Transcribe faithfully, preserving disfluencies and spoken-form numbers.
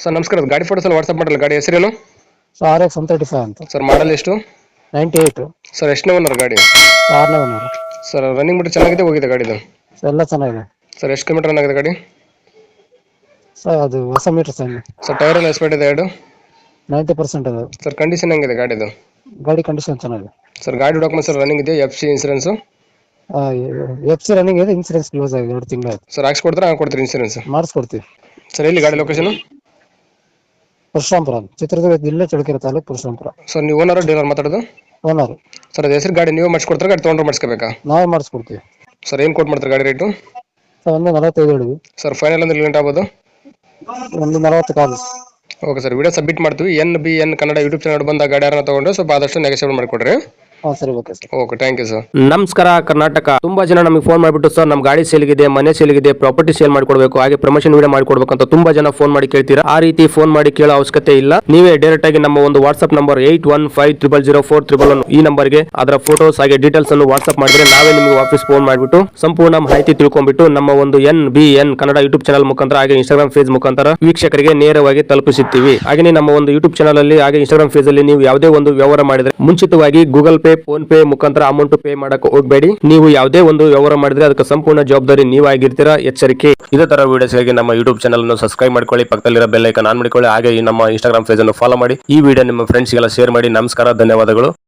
Sir ನಮಸ್ಕಾರ, ಗಾಡಿ photos ಎಲ್ಲ ವಾಟ್ಸ್ಆಪ್ ಮಾಡಲ್ಲ. ಗಾಡಿ ಹೆಸರೇನು ಸೊ R X one thirty five ಅಂತ ಸರ್? ಮಾಡಲ್ ಎಷ್ಟು ನೈಂಟಿ ಏಯ್ಟ್ ಸರ್? ಎಷ್ಟನೇ ಓನರ್ ಗಾಡಿ? ಆರನೇ ಓನರ್. ಸರ್ ರನ್ನಿಂಗ್ ಮೀಟರ್ ಚೆನ್ನಾಗಿದೆ, ಹೋಗಿದೆ ಗಾಡಿದು? ಸೊ ಎಲ್ಲ ಚೆನ್ನಾಗಿದೆ ಸರ್ ಎಷ್ಟು ಕಿಲೋಮೀಟರ್ ರನ್ ಆಗಿದೆ ಗಾಡಿ? ಸರ್ ಅದು ಹೊಸ ಮೀಟರ್ ಸರ್. ಸರ್ ಟೈರ್ ಎಲ್ಲ ಎಸ್ಪೇಟ್ ಇದೆ ಎರಡು? ನೈಂಟಿ ಪರ್ಸೆಂಟ್ ಅದು. ಸರ್ ಕಂಡೀಷನ್ ಹೆಂಗಿದೆ ಗಾಡಿದು? ಗಾಡಿ ಕಂಡೀಷನ್ ಚೆನ್ನಾಗಿದೆ ಸರ್. ಗಾಡಿ ಡಾಕ್ಯುಮೆಂಟ್ಸ್ ಸರ್ ರನ್ನಿಂಗ್ ಇದೆ, F C insurance? F C running ಇದೆ, ಇನ್ಸೂರೆನ್ಸ್ ಕ್ಲೋಸ್ ಆಗಿದೆ, ಎರಡು ತಿಂಗಳು ಆಯ್ತು. ಸರ್ ಹಾಕ್ಸ್ಕೊಡ್ತಾರೆ, ಹಾಂ ಕೊಡ್ತೀರಿ ಇನ್ಸೂರೆನ್ಸ್? ಮಾಡಿಸ್ಕೊಡ್ತೀವಿ ಸರ್. ಎಲ್ಲಿ ಗಾಡಿ ಲೊಕೇಶನ್? ಪರಶುರಾಂಪುರ, ಚಿತ್ರದುರ್ಗ ಜಿಲ್ಲೆ ಚಳ್ಳಕೆರೆ ತಾಲೂಕು ಪರಶುರಾಂಪುರ. ಸರ್ ನೀವು ಓನರ್ ಡೀಲರ್ ಮಾತಾಡೋದು? ಓನರ್. ಸರ್ ಅದು ಹೆಸರು ಗಾಡಿ ನೀವು ಮಾಡಿಸ್ಕೊಡ್ತಾರೆ, ಗಾಡಿ ತೊಗೊಂಡ್ರೆ ಮಾಡಿಸ್ಕೋಬೇಕಾ? ನಾವೇ ಮಾಡಿಸ್ಕೊಡ್ತೀವಿ. ಸರ್ ಏನು ಕೊಟ್ಟು ಮಾಡ್ತಾರೆ ಗಾಡಿ ರೇಟು? ಸರ್ ಒಂದು ನಲವತ್ತೈದು ಹೇಳಿದ್ವಿ ಸರ್. ಫೈನಲ್ ಅಂದ್ರೆ ಲಿಮಿಟ್ ಆಗ್ಬೋದು? ಒಂದು ನಲವತ್ತು ಕಾಲು. ಓಕೆ ಸರ್, ವಿಡಿಯೋ ಸಬ್ಮಿಟ್ ಮಾಡ್ತೀವಿ. N B N Kannada YouTube channel ಬಂದ ಗಾಡಿ ಯಾರನ್ನ ತೊಗೊಂಡ್ರೆ ಸ್ವಲ್ಪ ಆದಷ್ಟು ನೆಗೆಸಿಬಲ್ ಮಾಡಿಕೊಡ್ರಿ. ಹಾಂ ಸರಿ, okay sir. Okay, thank you sir. ನಮಸ್ಕಾರ ಕರ್ನಾಟಕ. ತುಂಬಾ ಜನ ನಮಗೆ ಫೋನ್ ಮಾಡಿಬಿಟ್ಟು ಸರ್ ನಮ್ಮ ಗಾಡಿ ಸೇಲ್ಗಿದೆ, ಮನೆ ಸೇಲ್ಗಿದೆ, ಪ್ರಾಪರ್ಟಿ ಸೇಲ್ ಮಾಡ್ಕೊಡ್ಬೇಕು, ಹಾಗೆ ಪ್ರಮೋಷನ್ ವಿಡಿಯೋ ಮಾಡ್ಕೊಡ್ಬೇಕು ಅಂತ ತುಂಬಾ ಜನ ಫೋನ್ ಮಾಡಿ ಕೇಳ್ತೀರಾ. ಆ ರೀತಿ ಫೋನ್ ಮಾಡಿ ಕೇಳೋ ಅವಶ್ಯಕತೆ ಇಲ್ಲ. ನೀವೇ ಡೈರೆಕ್ಟ್ ಆಗಿ ನಮ್ಮ ಒಂದು WhatsApp number eight one five triple zero four triple one ಈ ನಂಬರ್ಗೆ ಅದರ ಫೋಟೋಸ್ ಹಾಗೆ ಡೀಟೇಲ್ಸ್ ಅನ್ನು ವಾಟ್ಸ್ಆಪ್ ಮಾಡಿದ್ರೆ ನಾವೇ ನಿಮಗೆ ವಾಪಸ್ ಫೋನ್ ಮಾಡಿಬಿಟ್ಟು ಸಂಪೂರ್ಣ ಮಾಹಿತಿ ತಿಳ್ಕೊಂಡ್ಬಿಟ್ಟು ನಮ್ಮ ಒಂದು N B N Kannada YouTube channel ಮುಖಾಂತರ ಹಾಗೆ ಇನ್ಸ್ಟಾಗ್ರಾಮ್ ಪೇಜ್ ಮುಖಾಂತರ ವೀಕ್ಷಕರಿಗೆ ನೇರವಾಗಿ ತಲುಪಿಸುತ್ತೀವಿ. ಹಾಗೆ ನಮ್ಮ ಒಂದು ಯೂಟ್ಯೂಬ್ ಚಾನಲ್ ಅಲ್ಲಿ ಹಾಗೆ ಇನ್ಸ್ಟಾಗ್ರಾಮ್ ಪೇಜ್ ಅಲ್ಲಿ ನೀವು ಯಾವುದೇ ಒಂದು ವ್ಯವಹಾರ ಮಾಡಿದ್ರೆ ಮುಂಚಿತವಾಗಿ ಗೂಗಲ್ ಪೇ, ಫೋನ್ ಪೇ ಮುಖಾಂತರ ಅಮೌಂಟ್ ಪೇ ಮಾಡಕ್ಕೆ ಹೋಗಬೇಡಿ. ನೀವು ಯಾವುದೇ ಒಂದು ವ್ಯವಹಾರ ಮಾಡಿದ್ರೆ ಅದಕ್ಕೆ ಸಂಪೂರ್ಣ ಜವಾಬ್ದಾರಿ ನೀವಾಗಿರ್ತೀರಾ, ಎಚ್ಚರಿಕೆ. ಇದೇ ತರ ವಿಡಿಯೋಸ್ಗಾಗಿ ನಮ್ಮ ಯೂಟ್ಯೂಬ್ ಚಾನಲ್ ಅನ್ನು ಸಬ್ಸ್ಕ್ರೈಬ್ ಮಾಡ್ಕೊಳ್ಳಿ, ಪಕ್ಕದಲ್ಲಿರೋ ಬೆಲ್ ಐಕಾನ್ ಆನ್ ಮಾಡಿಕೊಳ್ಳಿ, ಹಾಗೆ ನಮ್ಮ ಇನ್ಸ್ಟಾಗ್ರಾಮ್ ಪೇಜ್ ಅನ್ನು ಫಾಲೋ ಮಾಡಿ. ಈ ವಿಡಿಯೋ ನಿಮ್ಮ ಫ್ರೆಂಡ್ಸ್ಗೆಲ್ಲ ಶೇರ್ ಮಾಡಿ. ನಮಸ್ಕಾರ, ಧನ್ಯವಾದಗಳು.